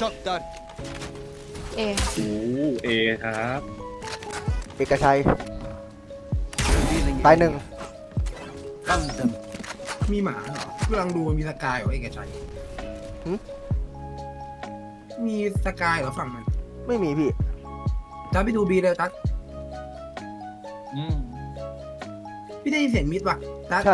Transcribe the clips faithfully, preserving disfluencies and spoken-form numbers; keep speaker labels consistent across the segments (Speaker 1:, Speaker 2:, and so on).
Speaker 1: เอ
Speaker 2: โอ้เอครับ
Speaker 3: เอกชัยตายหนึ่ง
Speaker 4: มีหมาเหรอกำลังดูมีสกายเหรอเอกชัยมีสกายเหรอฝั่งมัน
Speaker 3: ไม่มีพี่
Speaker 4: ตัดไปดูบีเลยตัด
Speaker 2: อืม
Speaker 4: พี่ได้ยินเสียงมิดป่ะตัด
Speaker 3: ใช่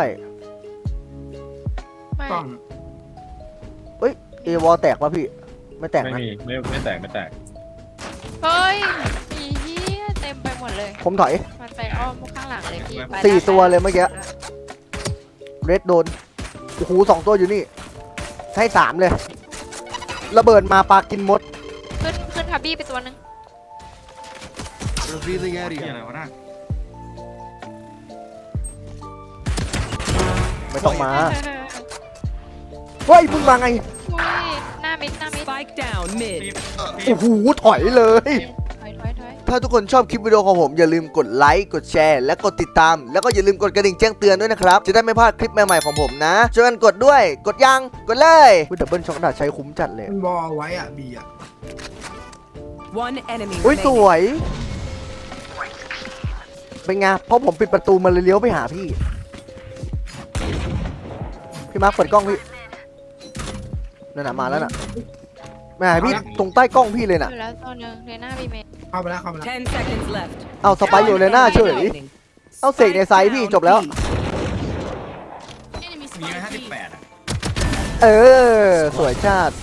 Speaker 1: ไม่
Speaker 4: กล้อง
Speaker 3: เอ้ยเอวอลแตกป่ะพี่ไม่แตก
Speaker 2: ไม่
Speaker 3: นะ
Speaker 2: มีไม่ไม่แตกไม่แตก
Speaker 1: เฮ้ยมีเหี้ยเต็มไปหมดเลย
Speaker 3: ผมถอย
Speaker 1: มันไปอ้อมข้างหลังเลยพี่ไป
Speaker 3: สี่
Speaker 1: ได้
Speaker 3: ตัวเลยเมื่อกี้ เรดโดนโอ้โหสองตัวอยู่นี่ให้สามเลยระเบิดมาปลากินมด
Speaker 1: ขึ้นขึ้นทับบี้ไปตัวนึง
Speaker 5: Revealing
Speaker 2: ที่
Speaker 5: area.
Speaker 2: อะไรวะน่ะ
Speaker 3: ไม่ต้องมาเฮ้ยมึงมาไง
Speaker 1: อุ้ยหน้ามิดหน้ามิด
Speaker 6: Spike down mid.
Speaker 3: โอ้โหถอยเลย
Speaker 1: ถอยถอยถอย
Speaker 3: ถ้าทุกคนชอบคลิปวิดีโอของผมอย่าลืมกดไลค์กดแชร์และกดติดตามแล้วก็อย่าลืมกดกระดิ่งแจ้งเตือนด้วยนะครับจะได้ไม่พลาดคลิปใหม่ๆของผมนะช่วยกันกดด้วยกดยังกดเลยวิดับเบิลช็อคดาใช้คุ้มจัดเลย
Speaker 4: มันบอลไว้อ่ะบีอ่ะ
Speaker 6: One enemy
Speaker 3: อุ้ยส
Speaker 6: remaining.
Speaker 3: วยเป็นไงเพราะผมปิดประตูมันเลยเลี้ยวไปหาพี่พี่มาร์คเปิดกล้องพี่นั่นน่ะมาแล้วน่ะแม่พี่ตรงใต้กล้องพี่เลยน่ะ
Speaker 1: อยู่แล้วตัวนึงเลน่าบีเมน
Speaker 4: เข้าไปแล้วเข้าไปแล้ว
Speaker 6: Ten seconds left.
Speaker 3: เอาสไปร์อยู่เลยหน้าเฉย
Speaker 6: Remaining.
Speaker 3: เอาเสกในไซส์พี่จบแล้ว
Speaker 2: มีไหมห้าสิบแปดอ่ะ
Speaker 3: เออสวยชาติ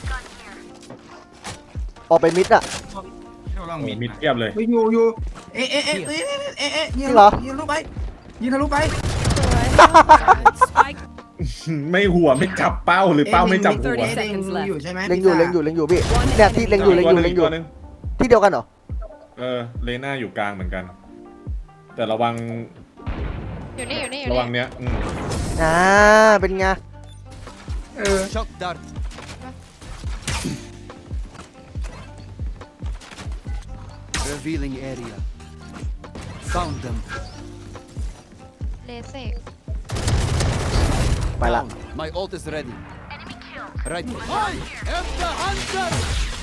Speaker 3: ออกไปมิดอ่ะ
Speaker 2: ลองมีมิดเทียบเลย
Speaker 4: ไปอยู่อยู่เอ๊ะเอ๊ะเอ๊ะเอ๊ะเอ๊ะเอ๊ะเอ๊ะยิง
Speaker 3: จริงเหรอ
Speaker 4: ยิงทะลุไปยิงทะลุไป
Speaker 6: Spike
Speaker 2: ไม่หัวไม่จับเป้าหรือเป้าไม่จับหัว
Speaker 4: เอ๊ะเล็งอยู่ใช่ไหม
Speaker 3: เล็งอยู่เล็งอยู่เล็งอยู่พี่เนี่ยที่เล็งอยู่เล็งอยู่เล็งอยู่
Speaker 2: ตัวหนึ่ง
Speaker 3: ที่เดียวกันเหรอ
Speaker 2: เออเลน่าอยู่กลางเหมือนกัน แต่ระวัง
Speaker 1: อยู่นี่อยู่นี่อยู่
Speaker 2: ระ
Speaker 1: นี่
Speaker 2: วังเนี้ยอืม
Speaker 3: อ่าเป็นไง
Speaker 4: เออ
Speaker 5: Shock dart. Revealing area. Found them.
Speaker 1: เลเซก
Speaker 3: ไปละ
Speaker 5: Down. My ult is ready. Right. I am the hunter.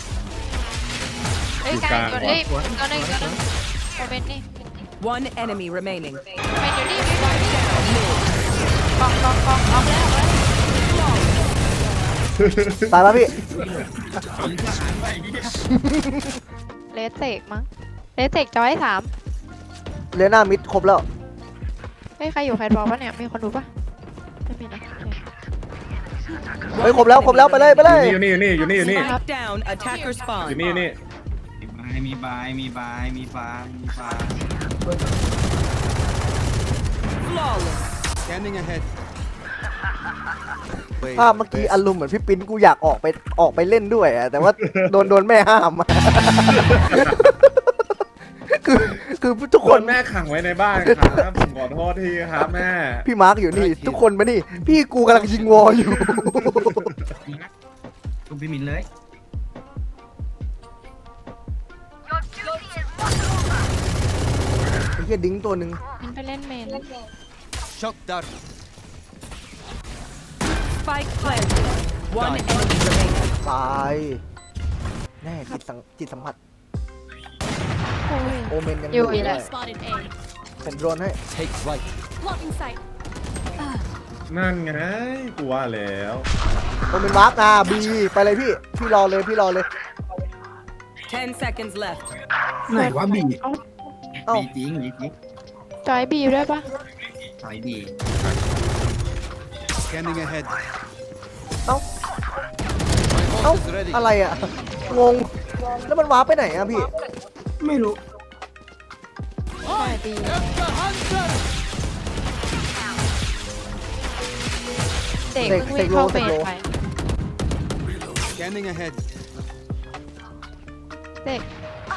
Speaker 1: เอ้ยกลางตัวเอ้ยตัวนึงตัวนึงโอเมนนี่
Speaker 6: One enemy remaining.
Speaker 1: เป็นอยู่นี่อยู่นี่กองกองกองออกแล้ว
Speaker 3: ตายแล้วพี่
Speaker 1: เลเซกมั้งเลเซกจอยสาม
Speaker 3: เลน่ามิดครบแล้ว
Speaker 1: เฮ้ยใครอยู่ใครบอกปะเนี่ยมีคนดูปะไม่มีนะ
Speaker 3: เฮ้ยครบแล้วครบแล้วไปเลยไปเลย
Speaker 2: อยู่นี่อยู่นี่อยู่นี่อยู่นี่
Speaker 6: Spike down. Attacker
Speaker 2: อยู่
Speaker 6: spawn.
Speaker 2: นี่อยู่นี่
Speaker 7: มีบาย มีบาย มีบาย มีบาย
Speaker 6: Flawless.
Speaker 5: Scanning ahead. Wait,
Speaker 3: ภาพเมื่อกี้อารมณ์เหมือนพี่ปิ้นกูอยากออกไปออกไปเล่นด้วยอะแต่ว่าโดนโดนแม่ห้ามอะคือคือทุก
Speaker 2: ค
Speaker 3: คน
Speaker 2: นแม่ขังไว้ในบ้านครับผมขอโทษทีครับแม่
Speaker 3: พี่มาร์กอยู่นี่ ทุกคนมานี่พี่กูกำลังยิงวอลอยู่
Speaker 7: ลูกพี่มินเลย
Speaker 3: ไอ้เหี้ยดิ้งตัวหนึ่ง
Speaker 1: มันไปเล่นเมน
Speaker 5: shock dart.
Speaker 6: Spike planted. One enemy remaining.
Speaker 3: ตายแน่จิตสังจิตสัมผัส
Speaker 1: โอ้ย
Speaker 3: โอเมนยัง
Speaker 1: อยู่อีก
Speaker 3: เล
Speaker 1: แล้ว
Speaker 3: ยผมโดรนให้
Speaker 5: Take flight.
Speaker 2: นั่นไงกูว่าแล้ว
Speaker 3: โอเมนวาร์ปอ่ะบีไปเลยพี่พี่รอเลยพี่รอเลย
Speaker 6: Ten seconds left.
Speaker 4: ไหนวะบี
Speaker 3: เอ้า
Speaker 7: บีจริงบีจริง
Speaker 1: จอยบีด้วยปะ
Speaker 7: สายบี
Speaker 5: Scanning ahead.
Speaker 3: เอ้า
Speaker 5: My
Speaker 3: เอ้า
Speaker 5: ult is ready.
Speaker 3: อะไรอ่ะงงแล้วมันวาร์ปไปไหนอ่ะพี่
Speaker 4: ไม่รู้
Speaker 1: จอยบี
Speaker 5: am the hunter.
Speaker 1: เด็กเพิ่งวิ่งเข้าเมนไป
Speaker 5: Scanning ahead.
Speaker 1: เด็ก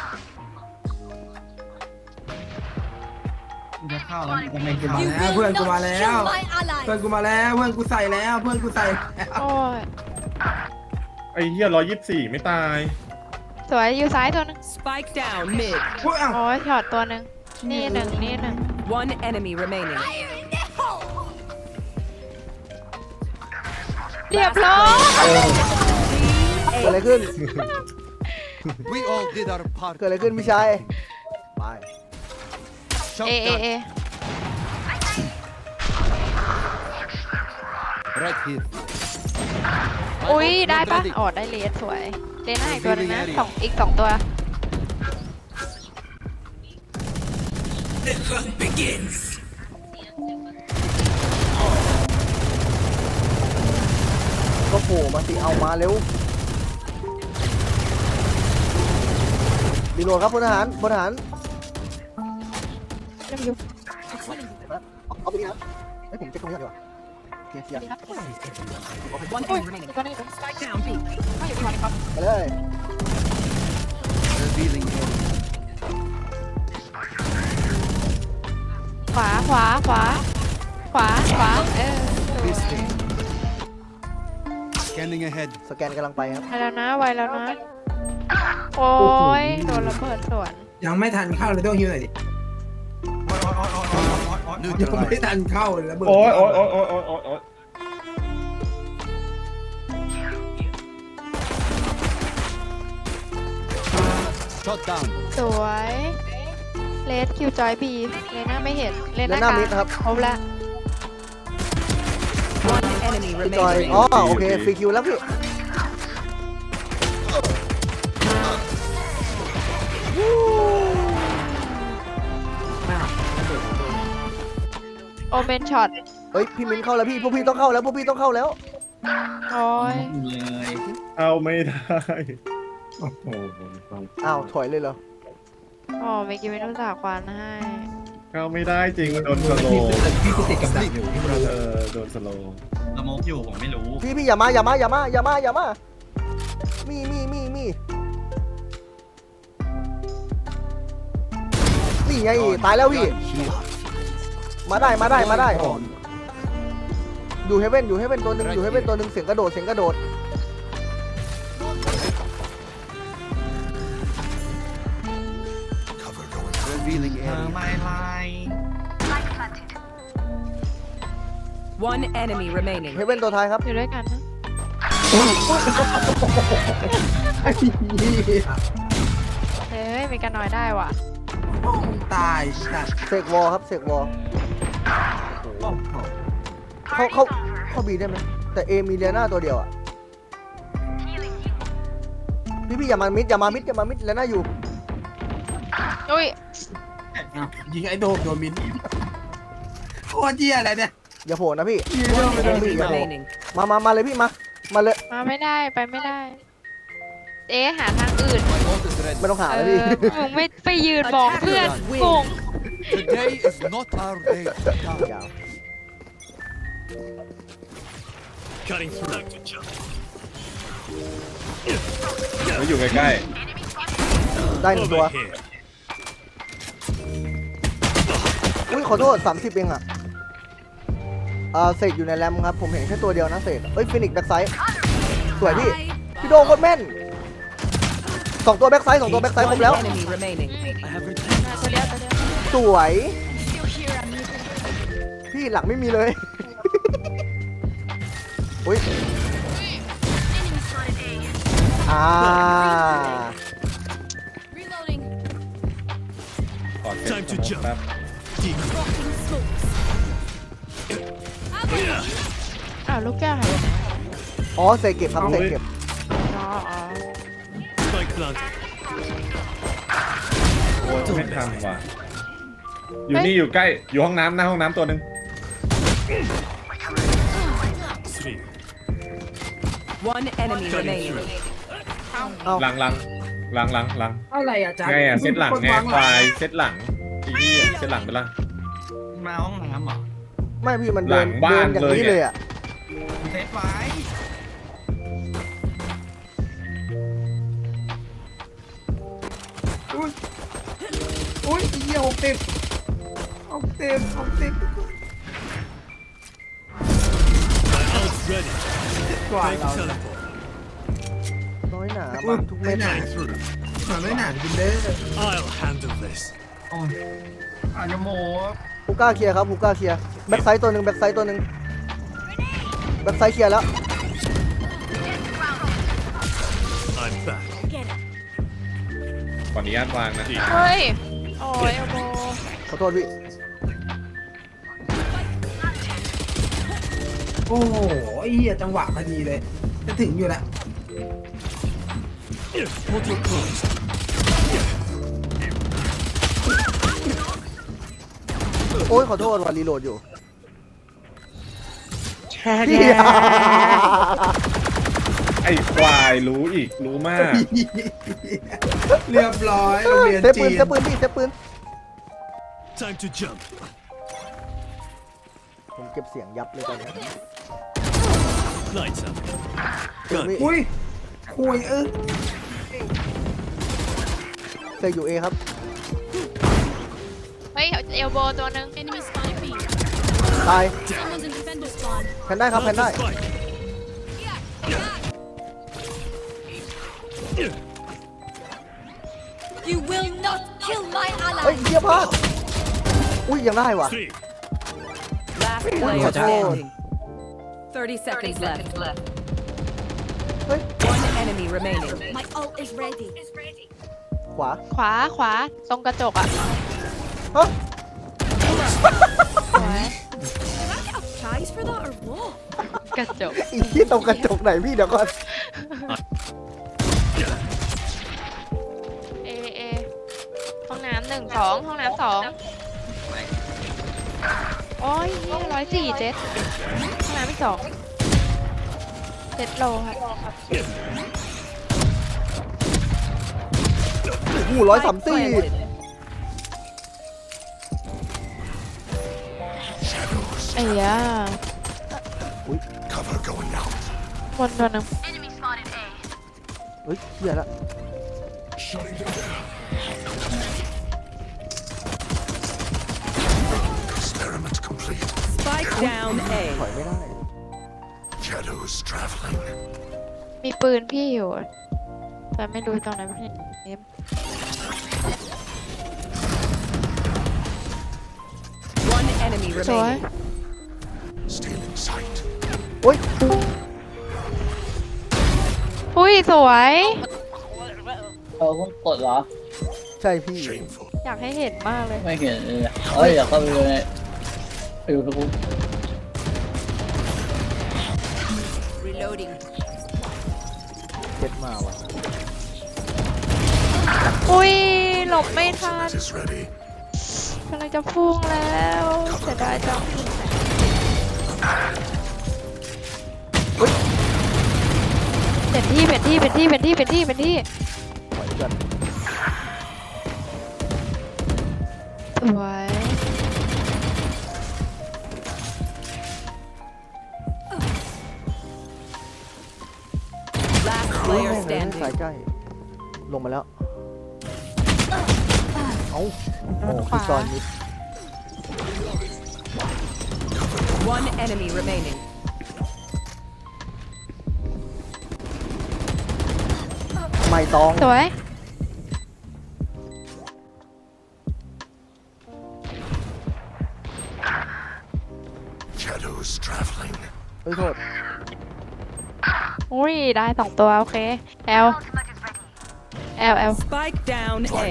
Speaker 7: จะเข้าแล้วมันก็ไม่
Speaker 4: กู
Speaker 7: เข้า
Speaker 4: มาแล้วเพื่อนกูมาแล้วเพื่อนกูมาแล้วเพื่อนกูใส่แล้วเพื่อนกูใส่แล้ว
Speaker 1: โอ้ย
Speaker 2: ไอ้เหี้ยร้อยยี่สิบสี่ไม่ตาย
Speaker 1: สวยอยู่ซ้ายตัวนึง
Speaker 6: Spike down mid.
Speaker 4: โอ้ยอ้าว
Speaker 1: โอ้ยช็อตตัวนึงนี่หนึ่งนี่หนึ่ง
Speaker 6: One enemy remaining.
Speaker 1: เรียบร้อย
Speaker 3: ไปเลยขึ้น
Speaker 5: We all did our part.
Speaker 3: เกิดอะไรขึ้นพี่ชายไป
Speaker 5: Shot
Speaker 1: เอเอ
Speaker 5: down.
Speaker 1: เอ
Speaker 5: Right here.
Speaker 1: อุ้ย
Speaker 5: My ult
Speaker 1: ได้
Speaker 5: not
Speaker 1: ปะ
Speaker 5: ready.
Speaker 1: อ๋อได้เลสสวยเลน่าอีกตัวหนึงนะสองอีกสองตัว
Speaker 3: ก็โผล่มาสิเอามาเร็วรีโหลดครับพลทหารพลทหารเอาไปนี่นะให้ผมเช็คตรงนี้ก่อนดีกว่าเคลียร์เคลียร์
Speaker 6: One enemy remaining. Spike down B.
Speaker 3: ไปเลย
Speaker 5: Revealing area.
Speaker 1: ขวาขวาขวาขวาขวาเออสวย
Speaker 5: Visiting. Scanning ahead.
Speaker 3: สแกนกำลังไปครับ
Speaker 1: ไปแล้วนะไวแล้วนะโอ้ยโดนระเบิดสวน
Speaker 4: ยังไม่ทันเข้าเลยต้องฮิวหน่อยดิ ยังไม่
Speaker 5: Neutralized.
Speaker 4: ทันเข้าเลยระเบิด
Speaker 2: โอ้ยโอ้ยโอ้ยโอ้ยโอ้ยโอ้ยโอ้ย
Speaker 5: Shot down.
Speaker 1: สวยเลสคิวจอยบีเลน่าไม่เห็นเล
Speaker 3: และ
Speaker 1: น่า
Speaker 3: หน้าก
Speaker 1: ลาง
Speaker 3: มิดครับ
Speaker 1: ครบแล้ว
Speaker 6: One enemy
Speaker 3: พี่จอย
Speaker 6: remaining.
Speaker 3: อ๋อโอเคฟรีคิวแล้วพี่
Speaker 1: โอเมนช็อต
Speaker 3: เฮ้ยพี่มิ้นเข้าแล้วพี่พวกพี่ต้องเข้าแล้วพวกพี่ต้องเข้าแล้ว
Speaker 1: โอ้ย
Speaker 7: เลย
Speaker 2: เอาไม่ได้โอ้โห
Speaker 3: อ้าวถอยเลยเหรอ
Speaker 1: อ๋อเมื่อกี้ไม่รู้จักควันให้
Speaker 2: เข้าไม่ได้จริงมันโดนสโล
Speaker 4: พี่
Speaker 2: ว์
Speaker 4: พี่ติดกับดักอยู่พี่
Speaker 2: เออโดนสโลว์
Speaker 7: สโมกอยู่ผมไม่รู้
Speaker 3: พี่พี่อย่ามาอย่ามาอย่ามาอย่ามาอย่ามามีมีมีมีนี่ไงตายแล้วพี่
Speaker 5: Gun here.
Speaker 3: มาได้มาได้มาได้อยู่เฮเว่นอยู่เฮเว่นตัวหนึ่งอยู่เฮเว่นตัวหนึ่งเสียงกระโดดเสียงกระโดด
Speaker 5: Revealing
Speaker 7: เธอ
Speaker 5: area.
Speaker 7: ไม่ไล่
Speaker 6: One enemy remaining.
Speaker 3: เฮเว่นตัวท้ายครับ
Speaker 1: อยู่ด้วยกันนะ
Speaker 4: ไอ้เหี้ย
Speaker 1: เฮ้ยมีกันน้อยได้ว่ะ
Speaker 4: ตายสัตว์
Speaker 3: เสกวอลครับเสกวอล
Speaker 4: โอ้โห
Speaker 3: เข้าเข้าเข้าบีได้ไหมแต่เอมีเลียนาตัวเดียวอ่ะพี่พี่อย่ามามิดอย่ามามิดอย่ามามิดเลียนาอยู่
Speaker 1: อุ้ย
Speaker 4: อ้าวยิงไอ้โดมโดนมินโคตรเหี้ยอะไรเนี่ย
Speaker 3: อย่าโผล่นะพี่
Speaker 4: ยิงโดม
Speaker 3: ไม่
Speaker 4: โด
Speaker 3: ต้อง
Speaker 4: นมิ
Speaker 3: พี่
Speaker 4: น
Speaker 3: อย่าโผล่
Speaker 6: Remaining.
Speaker 3: มามามาเลยพี่มามาเลย
Speaker 1: มาไม่ได้ไปไม่ได้ เอ๊ะหาทางอื่น
Speaker 5: My ult is ready.
Speaker 3: ไม่ต้องหา
Speaker 1: เอ
Speaker 3: เลยพี่
Speaker 1: อมึงไม่ไปยืนมองเพื่อนงง
Speaker 5: Today is not our day.
Speaker 3: ยาว
Speaker 2: แล้วอยู่ใกล้
Speaker 3: ได้หนึ่งตัวอุ้ยขอโทษสามสิบเองอ่ะอ่าเสกอยู่ในแรมครับผมเห็นแค่ตัวเดียวนะเสกเอ้ยฟินิกแบ็กไซด์สวยพี่พี่โดงโคตรแม่นสองตัวแบ็กไซด์สองตัวแบ็กไซด์ครบ
Speaker 6: One
Speaker 3: แล้ว
Speaker 6: enemy remaining.
Speaker 1: ตัวเดียวตัวเดียว
Speaker 3: สวยพี่หลังไม่มีเลย อุ้ยอ่า
Speaker 2: ๆก่อนเซ็ตสโมกแป๊บ
Speaker 1: อ้าวลูกแก้วหายไปไหน
Speaker 3: อ๋อเสกเก็บครับเสกเก็บ
Speaker 1: อ๋ออ๋อ
Speaker 2: โอ้ยไม่ทันว่ะอยู่นี่อยู่ใกล้อยู่ห้องน้ำหน้าห้องน้ำตัวหนึ่ง
Speaker 6: One enemy remaining.
Speaker 3: เอา
Speaker 2: หลังหลังหลังหลังหลัง
Speaker 4: อะไรอ่ะจ๊ะ
Speaker 2: ไงอ่ะเซตหลังไงควายเซตหลังไอ้นี่เซตหลังไปละ
Speaker 7: มาห้องน้ำเหรอ
Speaker 3: ไม่พี่มันเดิน
Speaker 2: หลังบ้า
Speaker 3: เดิ
Speaker 2: น
Speaker 3: นอย่างนี้
Speaker 2: เลย
Speaker 3: เลยอ่ะ
Speaker 7: เซตไว้
Speaker 4: อุ้ยอุ้ยไอ้เหี้ยหกสิบหกสิบหกสิบกว่าเรา
Speaker 3: น้อยหนามาทุกเม็
Speaker 4: ไม่
Speaker 3: ด
Speaker 4: หนามันไม่หนากินเด้อ
Speaker 7: โอ้ยอาจจะโม
Speaker 3: ฮูก้าเคลียร์ครับฮูก้าเคลียร์แบ็กไซด์ตัวหนึ่งแบ็กไซด์ตัวหนึ่งแบ็กไซด์เคลียร์แล้ว
Speaker 2: ขออนุญาตวางนะ
Speaker 1: เฮ้ย โอ้ยโอโบ
Speaker 3: ขอโทษพี่
Speaker 4: โอ้โหไอ้เหี้ยจังหวะพอดีเลย จะถึงอยู่แล้ว
Speaker 5: Portal closed.
Speaker 3: โอ้ยขอโทษวันรีโหลดอยู่
Speaker 2: ไอ้ควายรู้อีกรู้มาก
Speaker 4: เรียบร้อยโรงเรียน
Speaker 3: เซฟปื
Speaker 4: จี
Speaker 3: น
Speaker 4: น
Speaker 3: เซฟปืนพี่เซฟปืน
Speaker 5: Time to jump.
Speaker 3: ผมเก็บเสียงยับเลยตอนนี้
Speaker 5: Lights up.
Speaker 3: เฮ้ย
Speaker 4: อุ้ยคุยเออ
Speaker 3: เซฟอยู่เอครับ
Speaker 1: เฮ้ย เอลโบตัวหนึง
Speaker 6: Enemy spy B.
Speaker 3: ตาย
Speaker 6: Someone's in defender spawn.
Speaker 3: แพนได้ครับแพนได้
Speaker 5: Spike.
Speaker 6: You will not kill my
Speaker 3: เฮ้ย
Speaker 6: ally.
Speaker 3: เฮียพลาดอุ้ยยังได้ว่ะ
Speaker 5: Three.
Speaker 6: Last
Speaker 3: player standing.
Speaker 6: Thirty seconds left.
Speaker 3: เฮ้ย
Speaker 6: One enemy remaining. My ult is ready.
Speaker 3: ขวา
Speaker 1: ขวาขวาตรงกระจกอะ
Speaker 3: ฮะ
Speaker 1: สวย
Speaker 6: Did I get a prize for that or what?
Speaker 1: กระจก
Speaker 3: อีกที่ตรงกระจกไหนพี่เดี๋ยวก่อน
Speaker 1: เอเอห้องน้ำหนึ่งสองห้องน้ำสองโอ้ยร้อยสี่เจ็ดห้องน้ำอีกสองเจ็ดโลครับ
Speaker 3: โอ้โหร้อยสามสี่
Speaker 1: ไอ้ยา
Speaker 5: Cover going out.
Speaker 1: บนตัวหนึง
Speaker 3: เฮ้ยเฮียละ
Speaker 5: Shutting them down. Experiment complete.
Speaker 6: Spike down
Speaker 3: ถ
Speaker 6: A.
Speaker 3: อยไม่ได้
Speaker 5: Shadows traveling.
Speaker 1: มีปืนพี่อยู่ แต่ไม่รู้ตรงไหนพี่เนม
Speaker 6: One enemy
Speaker 1: สวย
Speaker 6: remaining.
Speaker 5: Still in sight.
Speaker 3: โอ้ย
Speaker 1: อุ้ยสวย
Speaker 8: เออเพิ่งกดเหรอ
Speaker 3: ใช่พี่
Speaker 5: Shameful.
Speaker 1: อยากให้เห็นมากเลย
Speaker 8: ไม่เห็นเลยอะเอ้ยอยากเข้าไปดูในไปดูทุกคน
Speaker 6: Reloading.
Speaker 3: เจ็ดมาว่ะ
Speaker 1: อุ้ยหลบไม่ทัน
Speaker 5: Ultimate is ready.
Speaker 1: กำลังจะพุ่งแล้วเสียดายจังเป็นที่เป็นที่เป็นที่เป็นที่เป็นที่เป็นที่
Speaker 3: ถอยกัน
Speaker 1: สวย
Speaker 6: Last
Speaker 3: เฮ้ย
Speaker 6: player
Speaker 3: แม่งเลยสาย
Speaker 6: standing.
Speaker 3: ใกล้ ลงมาแล้ว เอ้า โอ้
Speaker 1: ข
Speaker 3: คือ
Speaker 1: วา
Speaker 3: จอนมิด
Speaker 6: One enemy remaining.
Speaker 3: ไม่ตอง
Speaker 1: สวย
Speaker 5: Shadows traveling.
Speaker 3: เฮ้ยโทษ
Speaker 1: อุ้ยได้สองตัวโอเคแอลแอลแอล
Speaker 6: Spike down A.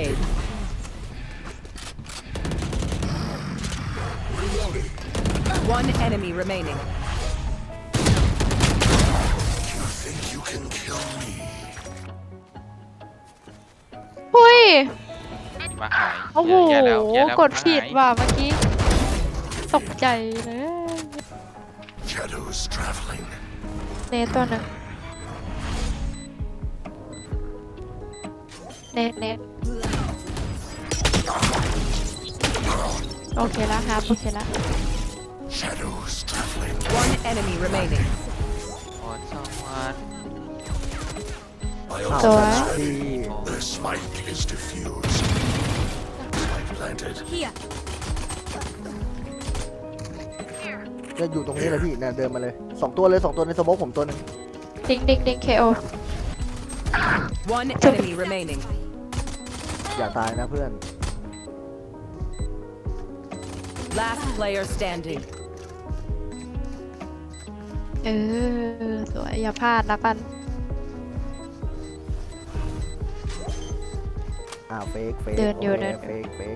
Speaker 6: One enemy remaining.
Speaker 5: You think you can kill me?
Speaker 1: อุ้ย
Speaker 9: มาหาย
Speaker 1: โอ้โห
Speaker 9: แย่แล้วแย่แล้ว
Speaker 1: กดผิด
Speaker 9: มาหาย
Speaker 1: ว่ะเมื่อกี้ตกใจเลย
Speaker 5: Shadows traveling.
Speaker 1: เนตตัวหนึ่งเนตเนตโอเคแล้วครับโอเคแล้ว
Speaker 5: Shadows traveling.
Speaker 6: One enemy remaining.
Speaker 9: โอนสองวัน
Speaker 5: My
Speaker 3: อ้าว
Speaker 1: สวย
Speaker 5: ultimate is
Speaker 3: ดี
Speaker 5: ready. The spike is diffused. Spike planted.
Speaker 6: Here.
Speaker 3: จะอยู่ตรงนี้เลยพี่เนี่ยเดินมาเลยสองตัวเลยสองตัวในสโมกผมตัวหนึง
Speaker 1: ดิงดิงดิงเคโอ
Speaker 6: One enemy remaining.
Speaker 3: อย่าตายนะเพื่อน
Speaker 6: Last player standing.
Speaker 1: เออสวยอย่าพลาดนะกัน
Speaker 3: อ่าเฟกเฟก
Speaker 1: เดินอยู่
Speaker 3: โค
Speaker 1: เดินอยู่
Speaker 3: เฟกเฟก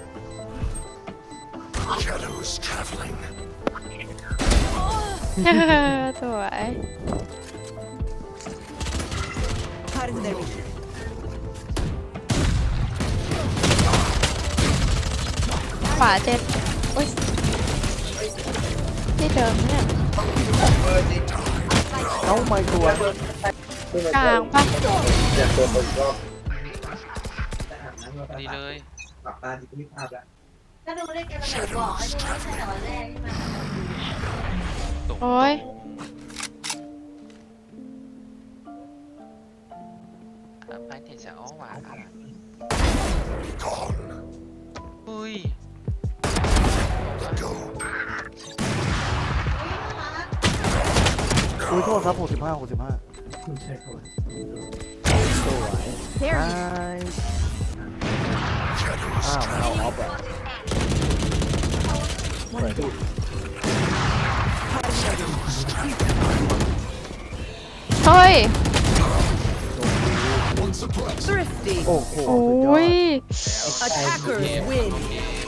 Speaker 1: สวย
Speaker 6: Cutting their vision.
Speaker 1: ขวาเจ็บอุ้ยที่เดิมเนี่ย
Speaker 3: เอ้าไม่ตัว
Speaker 1: กลางปะ
Speaker 9: ดีเลย
Speaker 10: ก็ดูได้แกมันหนูบอกให้ดูไม่ใช่ตอนแรกใช่ไหม
Speaker 9: ตก
Speaker 1: โอ้ย
Speaker 9: ไปเทจะอ้อหวานอุ้ย
Speaker 3: อุ้ยโทษครับหกสิบห้าหกสิบห้า
Speaker 6: There
Speaker 3: ไอ้
Speaker 6: you
Speaker 3: อ้าวมันเอาออฟอะ
Speaker 1: เฮ้ย
Speaker 6: thrifty.
Speaker 3: โอ้โห
Speaker 1: โอ้
Speaker 3: สุดยอด
Speaker 1: ย
Speaker 6: Attackers win.